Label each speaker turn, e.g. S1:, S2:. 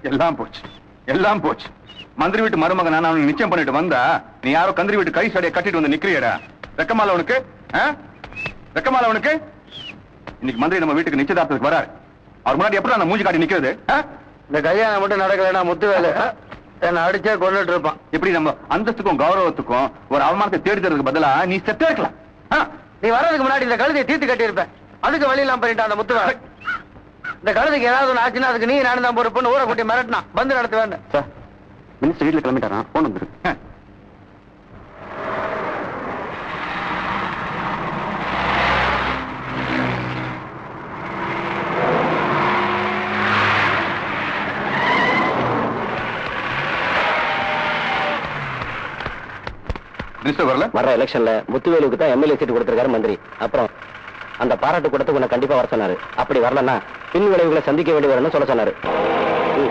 S1: எல்லாம் போச்சு, எல்லாம் போச்சு. மந்திரி வீட்டு மருமகன் நான் அவனுக்கு நிச்சயம் பண்ணிட்டு வந்தா நீ யாரோ கந்திரி வீட்டு கை சடையை கட்டிட்டு வந்து நிக்கிறியடா. வெக்கமால உனக்கு? வெக்கமால உனக்கு? இன்னைக்கு மந்திரி நம்ம வீட்டுக்கு நிச்சயதார்த்தத்துக்கு வராரு. அவர் முன்னாடி எப்படி நான் மூஞ்சி காட்டி நிக்கிறது?
S2: இந்த கல்யாணம் மட்டும் நடக்கலன்னா முத்து வேலை என்ன அடிச்சே கொண்டுட்டு இருப்பான்.
S1: இப்படி நம்ம அந்தஸ்துக்கும் கௌரவத்துக்கும் ஒரு அவமானத்தை தேடி தரதுக்கு பதிலா நீ செத்தே இருக்கலாம்.
S2: நீ வர்றதுக்கு முன்னாடி இந்த கழுதையை தீர்த்து கட்டி இருப்பேன். அதுக்கு வழி இல்லாம பண்ணிட்டான் அந்த முத்து வேலை. இந்த கழுதைக்கு ஏதாவது ஒன்று ஆச்சுன்னா அதுக்கு நீ நானும் தான் பொறுப்புன்னு ஊரை கூட்டி மிரட்டினா வந்து நடத்துவேன்.
S1: சார் மினிஸ்டர் வீட்டுல கிளம்பிட்டாரான், போன் வந்துரு. மினிஸ்டர் வரல?
S2: வர எலெக்ஷன்ல முத்துவேலுக்கு தான் எம்எல்ஏ சீட் கொடுத்திருக்காரு மந்திரி. அப்புறம் அந்த பாராட்டு கூடத்துக்கு உன்னை கண்டிப்பா வர சொன்னாரு. அப்படி வரலன்னா பின் விளைவுகளை சந்திக்க வேண்டி வரும்னு சொல்ல சொன்னாரு.